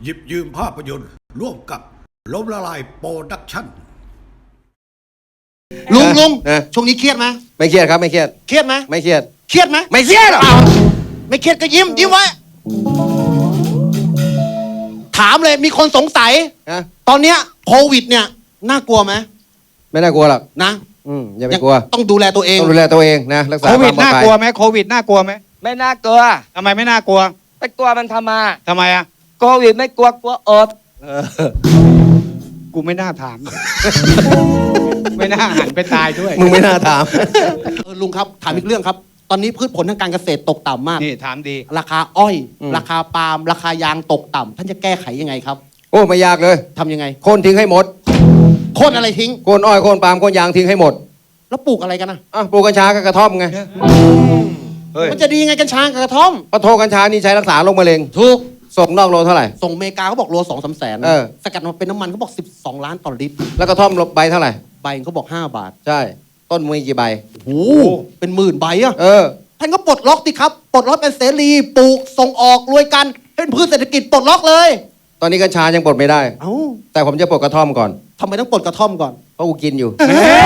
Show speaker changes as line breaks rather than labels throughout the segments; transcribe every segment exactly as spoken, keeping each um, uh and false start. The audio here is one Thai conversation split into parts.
หยิบยืมภาพยนตร์ร่วมกับล้มละลายโปรดักชั่น
ลุงลุง
เออ
ช่วงนี้เครียดไหม
ไม่เครียดครับไม่เครียด
เครียดไหม
ไม่เครียด
เครียดไหม
ไม่เครียดหรอก
อ้าวไม่เครียดก็ยิ้มยิ้มไว้ ถามเลยมีคนสงสัย
นะ
ตอนเนี้ยโควิดเนี่ยน่ากลัวไหม
ไม่น่ากลัวหรอก
นะ
อืมอย่าไปกลัว
ต้องดูแลตัวเอง
ต้องดูแลตัวเองนะรักษา
โค
ค
วิ
วา
ด
มปลอ
น่า
ดภัย
กลัวไหมโควิดน่ากลัวไหม
ไม่น่ากลัว
ทำไมไม่น่ากลัว
ไปกลัวมันทำไมา
ทำไมอ่ะ
โควิดไม่กลัวกลัวอด
เออ
กูไม่น่าถาม ไม่น่าหันไปตายด้วย
มึงไม่น่าถาม
เออลุงครับถามอีกเรื่องครับ ตอนนี้พืชผลทางการเกษตรตกต่ำมาก
นี่ถามดี
ราคาอ้อย
อืม
ราคาปาล์มราคายางตกต่ำท่านจะแก้ไขยังไงครับ
โอ้ไม่ยากเลย
ทำยังไง
โค่นทิ้งให้หมด
โค่นอะไรทิ้ง
โค่นอ้อยโค่นปาล์มโค่นยางทิ้งให้หมด
แล้วปลูกอะไรกันนะ
อ่ะปลูกกัญชากับกระท่อมไงเฮ้ย
มันจะดียังไงกัญชากับกระท่อม
ปะโทกัญชานี่ใช้รักษาโรคมะเร็ง
ถูก
ส่งนอกโลเท่าไหร่
ส่งอเมริกาเขาบอกโลสองสามแสน
เออ
สกัดมาเป็นน้ำมันเขาบอกสิบสองล้านต่อลิตร
แล้วกระท่อมใบเท่าไหร่
ใบเขาบอกห้าบาท
ใช่ ต้นมีกี่ใบ
โอ้โหเป็นหมื่นใบอะ
เออ
ท่านก็ปลดล็อกดิครับ ปลดล็อกเป็นเสรีปลูกส่งออกรวยกันเป็นพืชเศรษฐกิจปลดล็อกเลย
ตอนนี้กัญชายังปลดไม่ได้
เอ้า
แต่ผมจะปลดกระท่อมก่อน
ทำไมต้องปลดกระท่อมก่อน
เพราะกูกินอยู่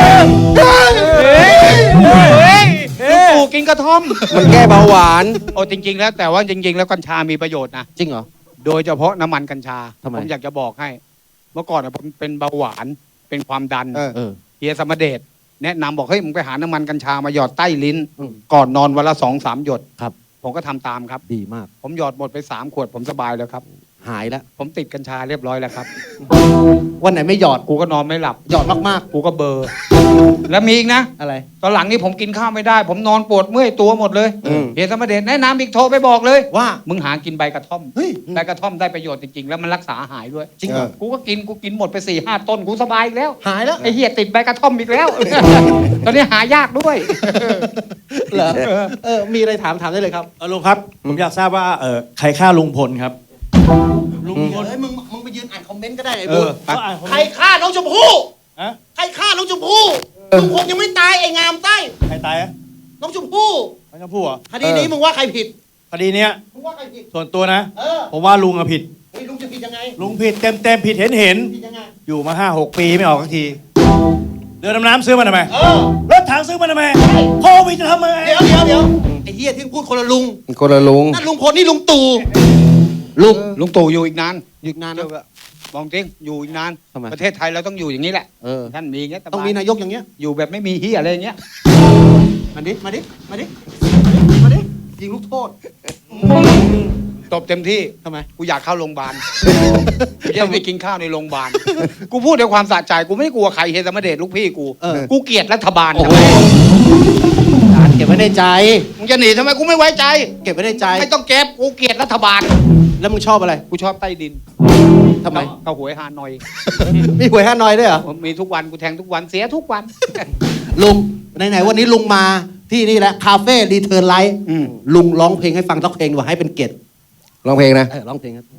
ลูกปู่กินกระท่อม
มันแก้เบาหวาน
โอ้จริง ๆ แล้วแต่ว่าจริง ๆ แล้วกัญชามีประโยชน์นะ
จริงเหรอ
โดยเฉพาะน้ำมันกัญชา
ทำไม
ผมอยากจะบอกให้ เมื่อก่อนอะผมเป็นเบาหวานเป็นความดัน
เออ
เออ
เฮียสมเดชแนะนำบอกเฮ้ยมึงไปหาน้ำมันกัญชามาหยอดใต้ลิ้น
อืม
ก่อนนอนวันละสองสามหยด
ครับ
ผมก็ทำตามครับ
ดีมาก
ผมหยอดหมดไปสามขวดผมสบายแล้วครับ
หายแล้ว
ผมติดกัญชาเรียบร้อยแล้วครับ
วันไหนไม่หยอด
กูก็นอนไม่หลับ
หยอดมาก
กูก็เบลอร์ แล้วมีอีกนะ
ๆอะไร
ตอนหลังนี่ผมกินข้าวไม่ได้ ผมนอนปวดเมื่อยตัวหมดเลย
อืม
เฮียสมเดชแนะนำอีกโทรไปบอกเลย
ว่า
มึงหากินใบกระท่อม
เฮ้ย
ใบกระท่อมได้ประโยชน์จริงๆ แล้วมันรักษาหายด้วย
จริงเหรอ
กูก็กินกูกินหมดไปสี่ห้าต้นกูสบายอีกแล้ว
หายแล้ว
ไอ้เฮียติดใบกระท่อมอีกแล้ว ตอนนี้หายากด้วย
เหรอเออมีอะไรถามถามได้เลยครับ
เออลุงครับ ผมอยากทราบว่าเออใครฆ่าลุงพลครับ
ลุงเฮ้ยมึงมึงไปยืนอ่านคอมเมนต์ก็ได้ไอ้
เอ
บุญ
อเขาอ่านคอม
ใคร
เมนต์
ฆ่าน้องชมพู่
ฮะ
ใครฆ่าน้องชมพู่ลุงพลยังไม่ตายไอ้งามไส้
ใครตายอะ
น้องชมพู่
น้องชมพู่เหรอ
คดีนี้มึงว่าใครผิด
คดีเนี้ย
มึงว่าใครผิด
ส่วนตัวนะ
เออ
ผมว่าลุงอะผิด
เฮ้ยลุงจะผิดยังไง
ลุงผิดเต็มเต็มๆผิดเห็นเห็น
ผิดยังไง
ๆอยู่มาห้าหกปีไม่ออกสักทีเรือดำน้ำซื้อมาทำไม
เออ
รถถังซื้อมาทำไมโควิดจะทำไม
เดี๋ยวเดี๋ยวเดี๋ยวไอ้เฮียที่พูดคนละลุง
คนละลุง
นั่นลุงพลนี่ลุงตู่ลุง
ลุงตู่อยู่อีกนาน
หยุดนานนะ
มองจริงอยู่อีกนาน
ทำไม
ประเทศไทยเราต้องอยู่อย่างนี้แหละ
เออ
ท่านมีอย่างเงี้ยสบาย
ต้องมีนายกอย่างเงี้ย
อยู่แบบไม่มีเฮียอะไรอย่างเงี้ย
มาดิมาดิมาดิมาดิยิงลูกโทษ
ตบเต็มที่
ทำไม
กูอยากเข้าโรงพยาบาลกูจะไปกินข้าวในโรงพยาบาลกูพูดด้วยความสะใจกูไม่กลัวใครเฮียสมเดชลูกพี่กู
เออ
กูเกลียดรัฐบาล
โอ้
ทำ
โห
ไม
การเก็บไว้ในใจ
มึงจะหนีทำไมกูไม่ไว้ใจ
เก็บไว้ในใจ
ไม่ต้องเก็บกูเกลียดรัฐบาล
แล้วมึงชอบอะไร
กูชอบใต้ดิน
ทำไม
เขาหวยฮานอย
มีหวยห้าน้อยด้วยเหรอ
ผมมีทุกวันกูแทงทุกวันเสียทุกวัน
ลุงไหนๆวันนี้ลุงมาที่นี่แหละคาเฟ่รีเทิร์นไลท์
อืม
ลุงร้องเพลงให้ฟังสักเพลงดีกว่าให้เป็นเกียรติ
ร้องเพลงนะ
เออร้องเพลงครับ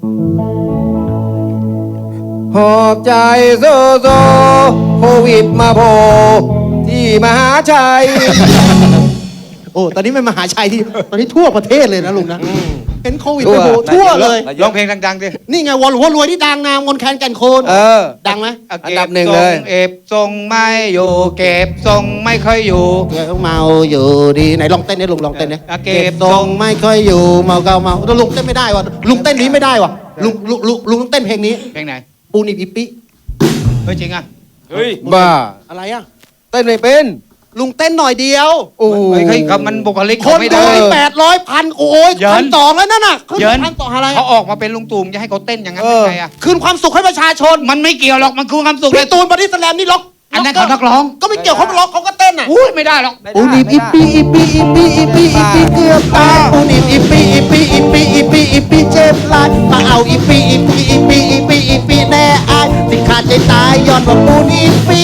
หอบใจโซโซโควิดมาโผล่ที่มหาชัย
โอ้ตอนนี้เป็นมหาชัยที่ตอนนี้ทั่วประเทศเลยนะลุงนะเห็นโควิด
ทั่
ไป
ว
โผล่ทั่วเลย
ร้องเพลงดังๆดิ
นี่ไงวอลหัวรวยที่ดังนามมนแคนแก่นโคน
เออ
ดังไหม
อันดับหนึ่งเลย
เก็บทรงไม่อยู่เก็บทรงไม่ค่อยอยู่
เดี๋ยวเมาอยู่ดีไหนลองเต้นเนี่ยลุงลองเต้นเนี่ย
อ่ะเก็บ
ทรงไม่ค่อยอยู่เมาเกาเมาแล้วลุงเต้นไม่ได้ว่ะลุงเต้นนี้ไม่ได้ว่ะลุงลุงลุงลุงต้องเต้นเพลงนี้
เพลงไหน
ปูนิบอิปิ
เฮ้ยจริงอ่ะ
เฮ้ย
บ้า
อะไรอ่ะ
เต้นไม่เป็น
ลุงเต้นหน่อยเดียว
โอ้
เฮ้ยเฮ้ยครับมันบุคลิก
ค
เขา
น
ไม่
ดู
ได้
นี่แปดร้อยพันโอ้ย
เยิน
พันสองแล้วนั่นน่ะขึ้น
เยิน
พันสองอะไร
เขาออกมาเป็นลุงตู่มจะให้เขาเต้นอย่างนั้น
เอ
ได้
อ
ไงอ่ะ
คืนความสุขให้ประชาชน
มันไม่เกี่ยวหรอกมันคือความสุขเลย
พี่ตูนบอดี้สแลมนี่ล็อก
อันนั้นเขานักร้อง
ก็ไม่เกี่ยวเขาล็อกเขาก็เต้นอ่ะ
อุ้ยไม่ได้หรอก
ปูนิบอิปิอิปิอิปิอิปิอิปิเกือบตายปูนิบอิปิอิปิอิปิอิปิอิปิเจ็บหลายมาเอาอิปิอิปิอิปิอิปิอิปิแน่อายสิขาดใจตายย้อนว่าปูนิบอิปิ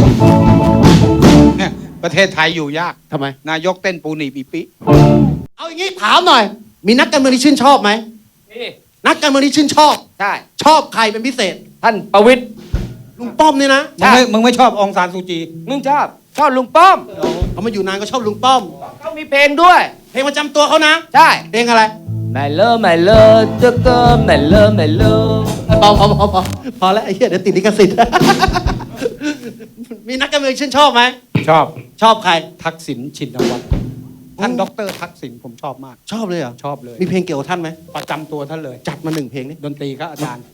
เนี่ยประเทศไทยอยู่ยาก
ทำไม
นายกเต้นปูหนีบอีปิ
เอาอย่างงี้ถามหน่อย มีนักการเมืองที่ชื่นชอบไหม
นี่
นักการเมืองที่ชื่นชอบ
ใช่
ชอบใครเป็นพิเศษ
ท่านประวิตร
ลุงป้อมนี่นะ
มึงไม่มึงไม่ชอบองซานซูจี
มึงชอบชอบลุงป้อม
เขามาอยู่นานก็ชอบลุงป้อม
เขามีเพลงด้วย
เพลงประจำตัวเขานะ
ใช่
เพลงอะไร
ไม่เลิกไม่เลิกจะเกินไม่เลิกไม่เลิก
พอพอพอพอพอแล้วไอ้เหี้ยเดี๋ยวติดลิขสิทธิ์ มีนักการเมืองชื่นชอบไหม
ชอบ
ชอบใคร
ทักษิณชินวัตรท่านด็อกเตอร์ทักษิณผมชอบมาก
ชอบเลยเหรอ
ชอบเลย
มีเพลงเกี่ยวกับท่านไหม
ประจำตัวท่านเลย
จัดมาหนึ่งเพลงนี่
ดนตรีครับอาจารย์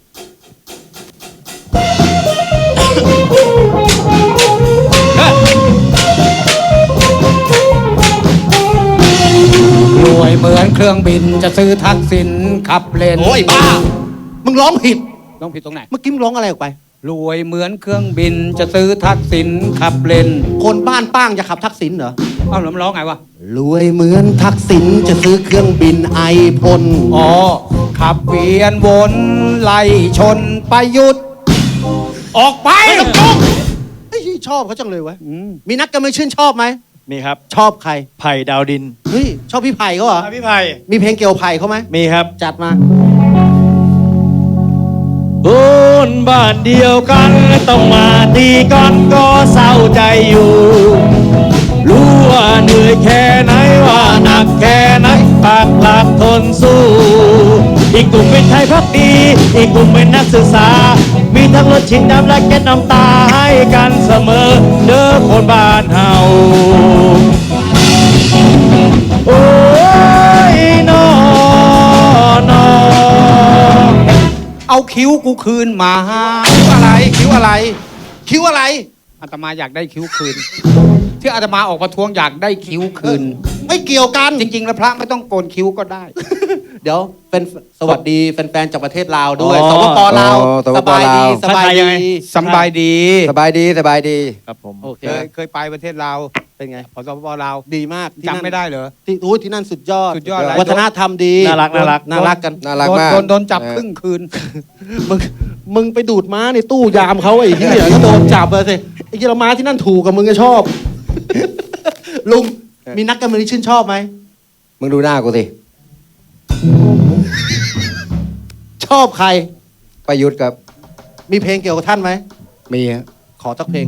รวยเหมือนเครื่องบินจะซื้อทักษิณขับเลน
โอ้ยบ้า มึงร้องผิด
ต้องผิดตรงไหน
เมื่อกี้มึงร้องอะไรออกไป
รวยเหมือนเครื่องบินจะซื้อทักษิณขับเลน
คนบ้านป้างจะขับทักษิณเหรอ
เอ้าแล้วมันร้องไงวะ
รวยเหมือนทักษิณจะซื้อเครื่องบินไอพ่น
อ๋อ ขับเวียนวนไล่ชนประยุทธ์ออกไป
ไม่ต้องจ้องเฮ้ยชอบเขาจังเลยวะ
อืม
มีนักการเมืองชื่นชอบไหม
มีครับ
ชอบใคร
ไผ่ดาวดิน
เฮ้ย ชอบพี่ไผ่เขาเหรอ
อ่ะพี่ไผ่
มีเพลงเกี่ยวกับไผ่เขาไหม
มีครับ
จัดมา
โอนบ้านเดียวกันต้องมาตีกันก็เศร้าใจอยู่ รู้ว่าเหนื่อยแค่ไหนว่าหนักแค่ไหนปากหลักทนสู้ อีกกลุ่มเป็นไทยพักดี อีกกลุ่มเป็นนักศึกษา มีทั้งรถชิงน้ำและแก๊สน้ำตาให้กันเสมอ เด้อคนบ้านเฮา โอ้ยนอนอ
เอาคิ้วกูคืนมา
คิ้วอะไร คิ้วอะไร คิ้วอะไร
อาตมาอยากได้คิ้วคืน ที่อาตมาออกประท้วงอยากได้คิ้วคืน
ไม่เกี่ยวกัน
จริง ๆ แล้วพระไม่ต้องโกนคิ้วก็ได้
เดี๋ยวเป็นสวัสดีแฟนๆจากประเทศลาวด้วย
อ๋อ
สปปลาว
อ๋อสป
ส
ป
บายดี
ลาว
สบาย
ทักทายยังไง
ดี
สำบายดี
สบายดีสบายดี
ครับผม
โอเค
เคยเคยไปประเทศลาว
เป็นไง
ขอสปปลาว
ดีมากที่นั่น
จำไม่ได้เหรอ
ที่โอ้ยที่นั่นสุดยอด
สุดยอดอะไร
วัฒนธรรมดี
น่ารักน่ารัก
น่ารักกัน
น่ารัก
โดน
มาก
โดนโดนจับ
เออ
ครึ่งคืน
มึงมึงไปดูดม้าในตู้ยามเขาไอ้เหี้ยก็โดนจับเลยสิไอ้เหี้ยเราม้าที่นั่นถูกกับมึงก็ชอบ ลุงมีนักการเมืองที่ชื่นชอบไหม
มึงดูหน้ากูสิ
ชอบใคร
ประยุทธ์ครับ
มีเพลงเกี่ยวกับท่านไหม
มีฮะ
ขอสักเพลง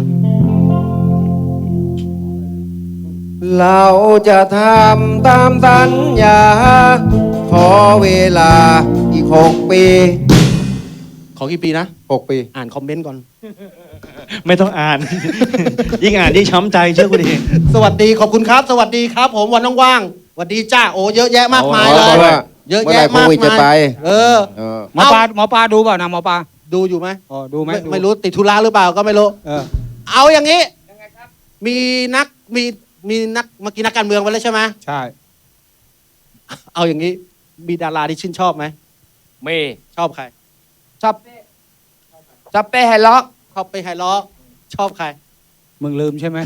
เราจะทำตามสัญญา ขอเวลาอีกหกปี
ขอกี่ปีนะ
หกปี
อ่านคอมเมนต์ก่อน
ไม่ต้องอ่าน ยิ่งอ่านยิ่งช้ำใจเชื่อกูดิ
สวัสดีขอบคุณครับ สวัสดีครับ ผมวันว่างๆสวัสดีจ้าโอ้เยอะแยะมากมายเล
เพ
ย
ราะว่า
เยอะ
เมื่อ
แยะ
ไหร่โค
มาก
วิดจะ
มาย
ไป
เออ
เออ
หมอปลาหมอปลาดูเปล่านะหมอปลา
ดูอยู่ไหม
อ๋อดูไหม
ไม่
ดู
ไม่รู้ติดธุระหรือเปล่าก็ไม่รู้
เออ
เอาอย่างนี้มีนักมีมีนักเมื่อกี้นักการเมืองไปแล้วใช่ไหม
ใช่
เอาอย่างนี้มีดาราที่ชื่นชอบไหม
มี
ชอบใคร
ชอบชอบเป้ไฮล็อก
ชอบไปไฮล้อชอบใคร
มึงลืมใช่ไหม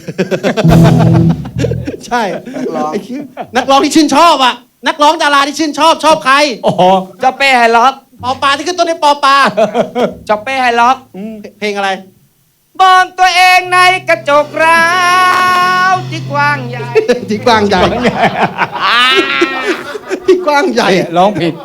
ใช่ไอ้เหี้ยนักร้องที่ชื่นชอบอ่ะ นักร้องดาราที่ชื่นชอบชอบใคร
อ๋อ
ชอบเป้ไฮล็อก
ปอปลาที่ขึ้นต้นในปอปลา
ชอบเป้ไฮล็อก
เพลงอะไร
มองตัวเองในกระจกร้าวที่กว้างใหญ่
ที่กว้างใหญ่ที่กว้างใหญ่
ร้องผิด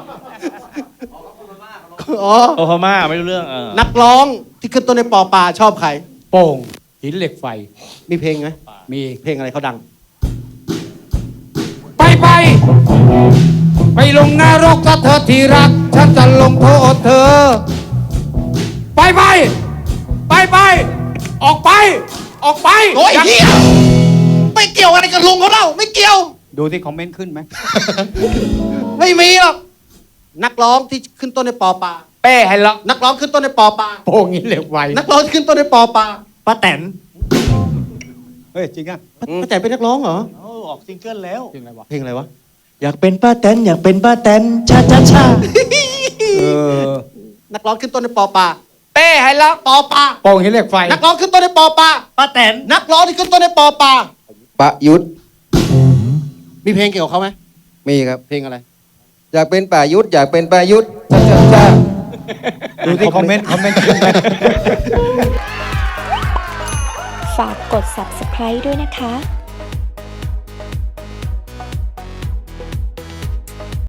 อ๋อ
โอฮาม่าไม่รู้เรื่องเออ
นักร้องที่ขึ้นต้นในปอปลาชอบใคร
โป่งหินเหล็กไฟ
มีเพลงไหม
มี
เพลงอะไรเขาดัง
ไปไป ไปลงนรกซะเธอที่รัก ฉันจะลงโทษเธอ ไปไป ไปไป ออกไป ออกไป
โอ้ย
ยัง
เฮียไม่เกี่ยวอะไรกับลุงเขาเล่าไม่เกี่ยว
ดูที่คอมเมนต์ขึ้นไหม
ไม่มีหรอกนักร้องที่ขึ้นต้นในปอปลา
เป้ไฮล็อก
นักร้องขึ้นต้นในปอปลา
โป่งหินเหล็กไฟ
นักร้องที่ขึ้นต้นในปอปลา
ป้าแตน
เฮ้ยจริงอ่ะ
ป้าแต่เป็นนักร้องเหรอ
โอ้ออกซิงเกิลแล้ว
จริงอะไรวะ
เพลงอะไรวะ
อยากเป็นป้าแตนอยากเป็นป้าแตนชาชาชา
เออ
นักร้องขึ้นต้นในปอปลา
เป้ไฮล็อก
ปอปลา
โป่งหินเหล็กไฟ
นักร้องขึ้นต้นในปอปลา
ป้าแตน
นักร้องที่ขึ้นต้นในปอปลา
ประยุทธ์
มีเพลงเกี่ยวกับเขาไหม
มีครับ
เพลงอะไร
อยากเป็นประยุทธ์อยากเป็นประยุทธ์จ้าจ้าจ้า
ดูที่คอมเมนต์คอมเมนต์ขึ้นไหม
ฝากกด ซับสไครบ์ ด้วยนะคะ